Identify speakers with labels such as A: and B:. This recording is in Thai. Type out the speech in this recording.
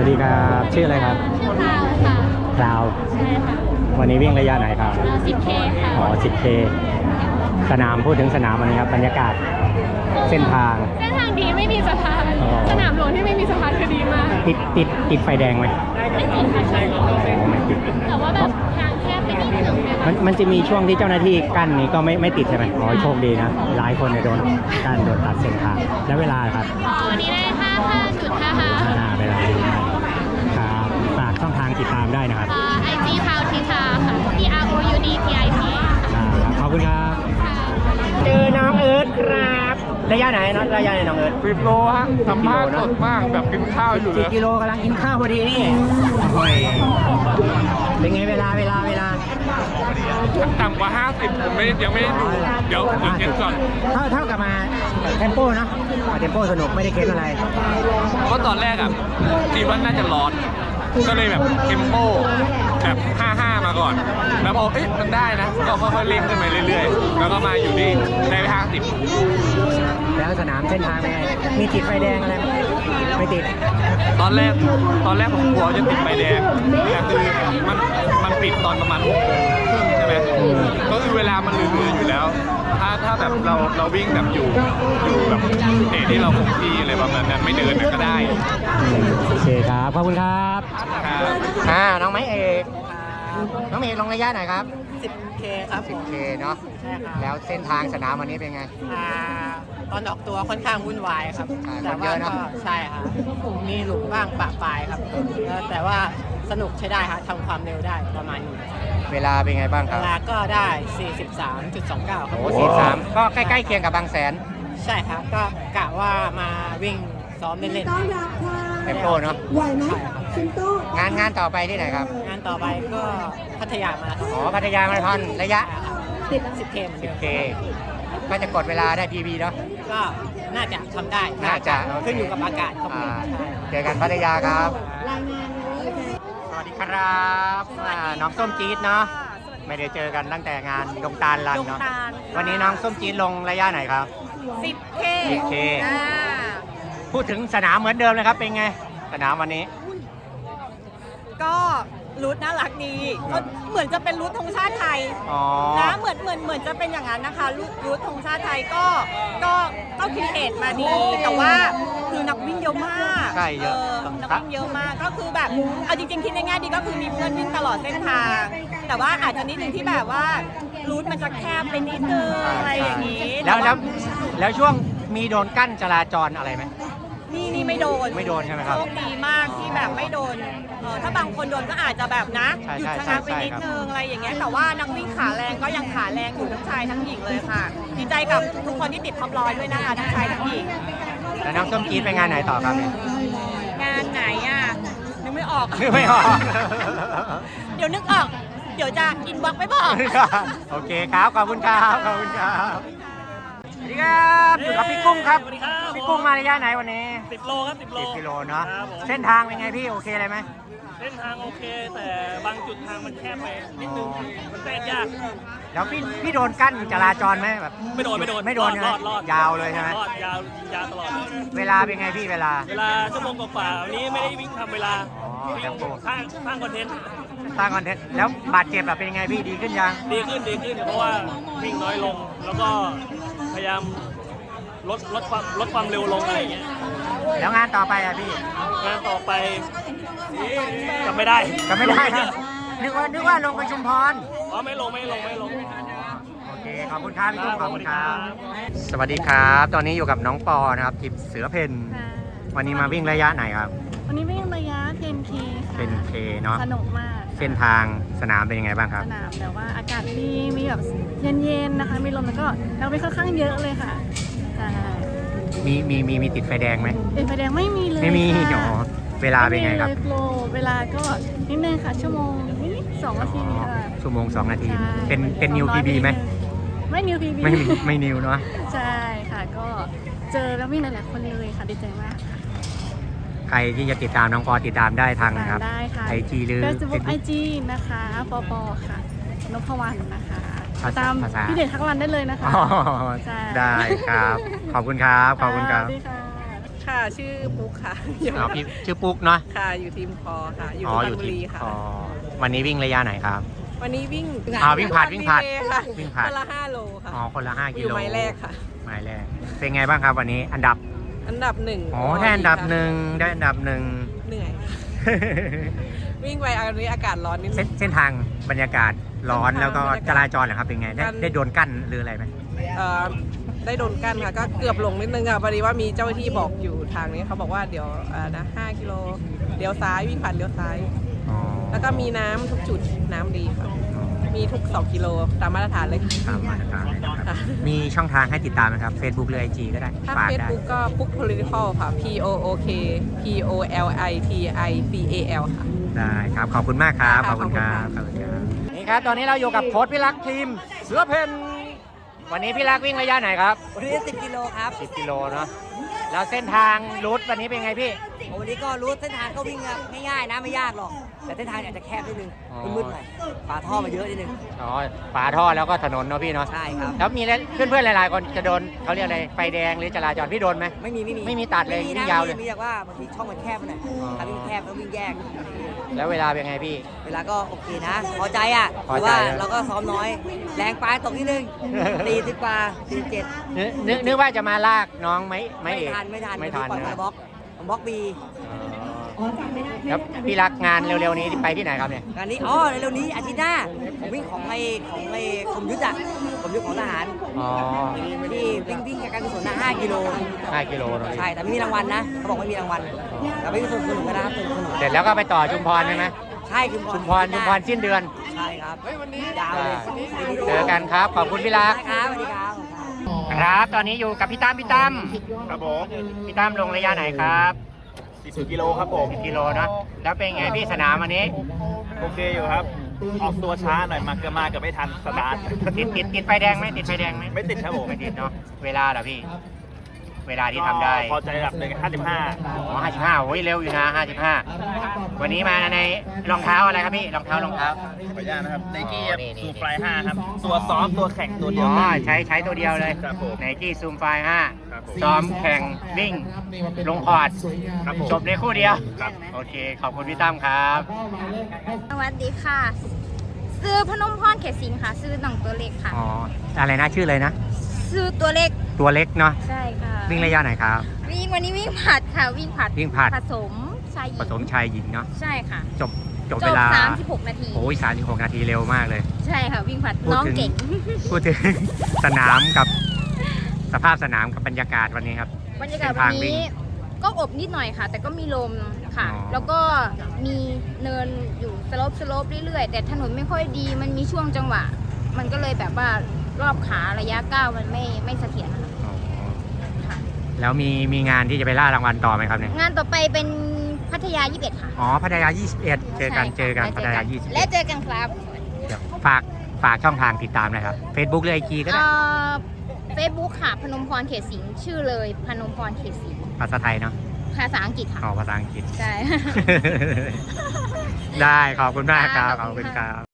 A: ดีครับชื่ออะไรครับ
B: ชื่อพราวค่ะ
A: พราว
B: ใช่ค่ะ
A: วันนี้วิ่งระยะไหนครับ
B: 10K ค่ะ
A: อ๋อ 10K สนามพูดถึงสนามวันนี้ครับบรรยากาศเส้นทาง
B: ดีไม่มีสะพาน
A: อ๋อ
B: สนามหลวงที่ไม่มีสะพานคือดีมาก
A: ติดไฟแดงไหม
B: ไม่ติดค่ะใช่
A: ไม่ติด
B: แต่ว่าแบบทางแคบไปนิดนึง
A: มันจะมีช่วงที่เจ้าหน้าที่กั้นนี้ก็ไม่ติดใช่ไหมอ๋อโชคดีนะหลายคนเนี่ยโดนกั้นโดนตัดเส้นทางแล้วเวลาครับ
B: วันนี้ได้55.55
A: เวลาดีมากครับฝากช่องทางติดตามได้นะครับ
B: IG พาวทิชาค่ะ PROUDTIT
A: ครับขอบคุณครับเจอน้องเอิร์ธครับระยะไหนน้องเอิร์ธ
C: 10 โลฮะสัมภาษณ์สดมากแบบกินข้าวอยู่เลย
A: 10 กิโลกำลังกินข้าวพอดีนี่โอ้ยเป็นไงเวลา
C: ต่ำกว่า 50ผมยังไม่ได้ดูเดี๋ยวเช็คก่อน
A: เท่ากับมาเทมโปเนาะเทมโปสนุกไม่ได้เค้นอะไร
C: เพราะตอนแรกอ่ะคิดว่าน่าจะร้อนก็เลยแบบเทมโปแบบ55มาก่อนแล้วพอมันได้นะก็ค่อยๆเร่งขึ้นไปเรื่อยๆแล้วก็มาอยู่ที่ได้ไป50
A: แล้วสนามเส้นทางเป็นไงมีติดไฟแดงอะไรไม่ติด
C: ตอนแรกผมกลัวจะติดไฟแดงแต่คือมันปิดตอนประมาณ6 โมงครึ่งใช่ไหมก็คือเวลามันเหลืออยู่แล้วถ้าแบบเราวิ่งแบบอยู่แบบเตะที่เราคงที่อะไรประมาณนั้นไม่เดินก็ได้
A: โอเคครับขอบคุณครับน้องไม้เอกน้องเมย์ลงระยะไหนครับ
D: 10K ครับ
A: 10K เนาะ
D: ใช่ครับ
A: แล้วเส้นทางสนามวันนี้เป็นไง
D: ตอนออกตัวค่อนข้างวุ่นวายครับแต่ว่าก็ใช่ครับมีหลุมบ้างปะปลายครับแต่ว่าสนุกใช้ได้ครับทำความเร็วได้ประมาณนี้
A: เวลาเป็นไงบ้างครับ
D: เวลาก็ได้ 43.29 ครับ
A: โอ้43ก็ใกล้ๆเคียงกับบางแสน
D: ใช่ครับก็กะว่ามาวิ่งซ้อมเล่น
A: เทมโปเนาะ
E: ไหวไหมชินโต้
A: งานต่อไปที่ไหนครับ
D: งานต่อไปก็พัทยามาราธอน
A: พัทยามาราธอนระยะ
D: 10K
A: ก็จะกดเวลาได้ PB เนาะ
D: ก็น่าจะทำได้
A: น่าจะ
D: ขึ้นอยู่กับอากาศครับ
A: เจอกันพัทยาครับ
E: รายงานเลย
A: สวัสดีครับน้องส้มจี๊ดเนาะไม่ได้เจอกันตั้งแต่งานดงตาลรันเนาะวันนี้น้องส้มจี๊ดลงระยะไหนครับ 10K พูดถึงสนามเหมือนเดิมเลยครับเป็นไงสนามวันนี้
F: ก็รูทน่ารักดีก็เหมือนจะเป็นรูทธงชาติไทยนะเหมือนจะเป็นอย่างนั้นนะคะรูทธงชาติไทยก็คิดเอทมาดีแต่ว่าคือนักวิ่งเยอะมาก
A: ใช่เยอะ
F: นักวิ่งเยอะมากก็คือแบบเอาจริงๆคิดในแง่ดีก็คือมีเพื่อนวิ่งตลอดเส้นทางแต่ว่าอาจจะนิดนึงที่แบบว่ารูทมันจะแคบไปนิดนึงอะไรอย่างนี้
A: แล้วช่วงมีโดนกั้นจราจรอะไรไหม
F: นี่ไม่โดน
A: ใช่ไหมครับ
F: โชคดีมากที่แบบไม่โดนถ้าบางคนโดนก็อาจจะแบบนะหยุดชะงักไปนิดนึงอะไรอย่างเงี้ยแต่ว่านักวิ่งขาแรงก็ยังขาแรงอยู่ทั้งชายทั้งหญิงเลยค่ะดีใจกับทุกคนที่ติดท็อป100ด้วยนะคะทั้งชายทั้งหญิง
A: แล้วน้องส้มจี๊ดไปงานไหนต่อครับ
F: งานไหนนึกไม่ออก
A: เดี๋ยว
F: นึกออกเดี๋ยวจะอินบ็อกซ์ไม่บอก
A: โอเคครับขอบคุณครับสวัสดีครับอยู่กับพี่กุ้งครับพี่กุ้งมาระยะไหนวันนี้
G: 10 โลครับ10
A: กิโลเนาะเส้นทางเป็นไงพี่โอเคเลยไหม
G: เส้นทางโอเคแต่บางจุดทางมันแคบไปนิดนึงมันแทรกยาก
A: แล้วพี่โดนกั้นจราจรไหมแบบ
G: ไม่โดน
A: รอดยาวเลยใช่ไหม
G: รอดยาวตลอด
A: เวลาเป็นไงพี่เวลา
G: ชั่วโมงกว่าวันนี้ไม่ได้วิ่งทำเวลาวิ่งสร้างคอนเทนต์
A: แล้วบาดเจ็บแบบเป็นยังไงพี่ดีขึ้นยัง
G: ดีขึ้นเพราะว่าวิ่งน้อยลงแล้วก็พยายามลดความเร็วลงอะไรอย่างเงี้ย
A: แล้วงานต่อไปพี่
G: งานต่อไปจำไม่ได้
A: นะนึกว่าลงไปชุมพร
G: ไม่ลง
A: โอเคขอบคุณครับพี่กุ้งขอบคุณครับสวัสดีครับตอนนี้อยู่กับน้องปอนะครับทีมเสือเพนวันนี้มาวิ่งระยะไหนครับ
B: วันนี้วิ่งระยะ 10K ค่ะ
A: 10K เนาะ
B: สนุกมาก
A: เส้นทางสนามเป็นยังไงบ้างครับ
B: สนามแต่ว่าอากาศดีมีแบบเย็นๆนะคะมีลมแล้วก็นักวิ่งค่อนข้างเยอะเลยค่ะใช่
A: มีติดไฟแดงไหม
B: ติดไฟแดงไม่มีเลย
A: ไม่มีเวลาเป็นไงครับ
B: เวลาก็นิดนึงค่ะชั่วโมงนิด2 นาทีค่ะ
A: ชั่วโมง2 นาทีเป็นนิว PB ไหม
B: ไม่นิว PB
A: ไม่นิวเนาะ
B: ใช่ค่ะก็เจอแล้ววิ่งหลายๆคนเลยค่ะดีใจมาก
A: ใครที่จะติดตามน้องปอติดตามได้ทางนะครับ IG หรือ
B: Facebook IG นะคะปอค่ะนพวรรณนะคะตามพี่เด่นทักรันได้เลยนะคะ
A: ได้ครับขอบคุณครับ
B: สวัสดีค่ะ
H: ค่ะ ชื่อปุ๊กค่ะ
A: อ๋อพี่ชื่อปุ๊กเนาะ
H: ค่ะ อยู่ทีมคอค่ะ อยู่
A: อ๋อ
H: สุพร
A: อ
H: รณ
A: ยู่
H: บุ
A: ที่
H: รีค่ะ
A: อ๋อวันนี้วิ่งระยะไหนครับ
H: วันนี้วิ่ง
A: วิ่งผลัดวิ่งผลัด
H: รีเลย์ค่ะ
A: วิ่งผลัด
H: คนละ5 โลค่ะ
A: อ๋อคนละ5
H: อ
A: กิ
H: ยู่
A: โล
H: ไม้แรกค่ะ
A: ไม้แรกเป็นไงบ้างครับวันนี้อันดับ
H: อันดับ1
A: อ๋อได้อันดับหนึ่งได้อันดับหนึ่ง
H: เหนื่อยค่ะวิ่งไปอันนี้อากาศร้อนนิดนึง
A: เส้นทางบรรยากาศร้อน
H: เส้นทาง
A: แล้วก็
H: บรรยากาศ
A: จราจรเหรอครับเป็นไงได้โดนกั้นหรืออะไรไหม
H: ได้โดนกั้นค่ะ ก็เกือบหลงนิดนึงอ่ะพอดีว่ามีเจ้าหน้าที่บอกอยู่ทางนี้เขาบอกว่าเดี๋ยว5 กิโลเลี้ยวซ้ายวิ่งผ่านเลี้ยวซ้าย
A: อ๋อ
H: แล้วก็มีน้ำทุกจุดน้ำดีค่ะ มีทุก 2 กิโลตามมาตรฐานเลยค่ะ
A: ตามมาตรฐานนะครับ
H: ค่ะ
A: มีช่องทางให้ติดตามไหมครับ Facebook หรือ IG ก็ได้
H: ถ้า
A: ฝาก
H: เฟซ
A: ได้
H: บุ๊กก็ปุ๊ก political ค่ะ POOK POLITICAL ค่ะ
A: ได้ครับ ขอบคุณมากครับ ข
H: ค่ะ
A: อบคุณครับ
H: ขอบคุณค่ะ
A: นี่ครับ ตอนนี้เราอยู่กับโค้ชพี่รักทีมเสือเพนวันนี้พี่รักวิ่งระยะไหนครับ
I: วันนี้10 กิโลครับ
A: 10 กิโลเนาะแล้วเส้นทางรูทวันนี้เป็นไงพี่
I: วันนี้ก็รู้เส้นทางก็วิ่งง่ายๆนะไม่ยากหรอก แต่เส้นทางอาจจะแคบนิดนึง
A: อ๋อ
I: มืดๆหน่อยฝาท่อมาเยอะนิดนึง
A: อ๋อฝาท่อแล้วก็ถนนเนาะพี่เนาะ
I: ใช่ครับ
A: แล้วมีเพื่อนๆหลายๆคนจะโดนเขาเรียกอะไรไฟแดงหรือจราจรพี่โดนไหม
I: ไม่มี
A: ไม่มีตัดเลย
I: ไม่มี
A: วิ่
I: นะ
A: งยาวเลย
I: มีแต่ว่าบางทีช่องมันแคบไปหน่อย
A: อ๋อ
I: ถ้าวิ่งแคบต้องวิ่งแยก
A: แล้วเวลาเป็นไงพี่
I: เวลาก็โอเคนะ พอใจอ่ะ
A: พอ
I: แต่
A: ใจ
I: ว่า
A: นะ
I: เราก็ซ้อมน้อย แรงปลายตกนิดนึง 40 กว่า 47
A: นึกว่าจะมาลากน้องไหม
I: ไม่
A: เอก
I: ทันไม่ทัน
A: ไม่ทัน
I: ปล่อย
A: นะ
I: มาบล็อกผมบล็อกบี
A: แล้วพี่รักงานเร็วๆนี้ไปที่ไหนครับเนี่ย
I: งานนี้เร็วๆนี้อาทิตย์หน้าผมวิ่งของไอ้คมยุทธอ่ะคมยุทธของทหาร
A: อ๋อ
I: ที่วิ่งการกุศลนะ5 กิโล
A: 5 กิโลเนอะ
I: ใช่ แต่ไม่มีรางวัลนะ เขาบอกไม่มีรางวัลแต่ไม่มีสนุกกันนะครับสนุก
A: เสร็จแล้วก็ไปต่อชุมพรใช่ไหม
I: ใช่ชุม
A: ชุมพรสิ้นเดือน
I: ใช่ครับยาวเลย
A: เจอกันครับ ขอบคุณพี่รัก
I: ครับสวัสดีครับ
A: ครับ ตอนนี้อยู่กับพี่ตั้ม
G: ครับผม
A: พี่ตั้มลงระยะไหนครับ
G: 10 กิโลครับผม
A: 10 กิโลเนอะแล้วเป็นไงพี่สนามวันนี้
G: โอเคอยู่ครับ ออกตัวช้าหน่อยมาเกือบไม่ทันสตาร์ท
A: ติดไฟแดงไหมติดไฟแดงไหม
G: ไม่ติดครับผม
A: ไม่ติดเนาะเวลาเหรอพี่ เวลาที่ทำได้
G: พอใจระดับหนึ่ง55
A: อ๋อ55โอ้ยเร็วอยู่นะ55วันนี้มาในรองเท้าอะไรครับพี่รองเท้า
G: ขออนุญาตนะครับไนกี้
A: อ๋อนี่
G: ซูฟลาย5ครับ ตัวซ้อมตัวแข่งตัวเดียว
A: อ๋อ
G: กัน
A: ใช้ตัวเดียวเลย
G: ครับผม
A: ไนกี้ซูมไฟ
G: ครับผม
A: 5ซ้อมแข่งวิ่งลงคอร์ด
G: ครับผม
A: จบในคู่เดียว
G: ครับ
A: โอเค ขอบคุณพี่ตั้มครับ
J: สวัสดีค่ะ ซื้อพนมพรเขตสิงห์ค่ะ ซื้อหนังตัวเล็กค่ะ
A: อ๋อ อะไรนะชื่ออะไรนะ
J: ซื้อตัวเล็ก
A: ตัวเล็กเนาะ
J: ใช่ค่ะ
A: วิ่งระยะไหนครับ
J: วันนี้วิ่งผัดค่ะ วิ่งผัด
A: วิ่งผลัด
J: ผสมชายหญิง
A: ผสมชายหญิงเนาะ
J: ใช่ค่ะ
A: จบ
J: จ
A: เว
J: บ
A: ลา
J: 36 นาที
A: โอ้ย36 นาทีเร็วมากเลย
J: ใช่ค่ะ วิ่งผัด
A: พูด
J: น้อง
A: ถึง
J: เก่ง
A: พูดถึง สนามกับสภาพสนามกับบรรยากาศวันนี้ครับ
J: บรรยากาศ
A: เส้น
J: วั
A: ทาน งวิ่
J: นี้
A: ง
J: ก็อบนิดหน่อยค่ะ แต่ก็มีลมค่ะ
A: อ๋อ
J: แล้วก็มีเนินอยู่สโลปเรื่อยๆ แต่ถนนไม่ค่อยดี มันมีช่วงจังหวะ มันก็เลยแบบว่ารอบขาระยะก้าวมันไม่เสถียรนะคะ
A: อ๋อ
J: ค่ะ
A: แล้วมีงานที่จะไปล่ารางวัลต่อไหมครับเนี่ย
J: งานต่อไปเป็นพัทยา 21 ค่ะ
A: อ๋อพัทยา 21 เจอกัน
J: ใช่ค่ะ
A: พัทยา
J: และเจอกันครับ
A: 21เดี๋ยวฝากช่องทางติดตามหนะครับ Facebook หรือ IG ก็ได้
J: เฟซบุ๊กค่ะ พนมพรเขตสิงห์ชื่อเลยพนมพรเขตสิงห์
A: ภาษาไทยเนาะ
J: ภาษาอังกฤษค่ะ
A: อ๋อภาษาอังกฤษ
J: ใช่
A: ได้ขอบคุณมากครับ
J: ค่ะ
A: ขอบคุณครับ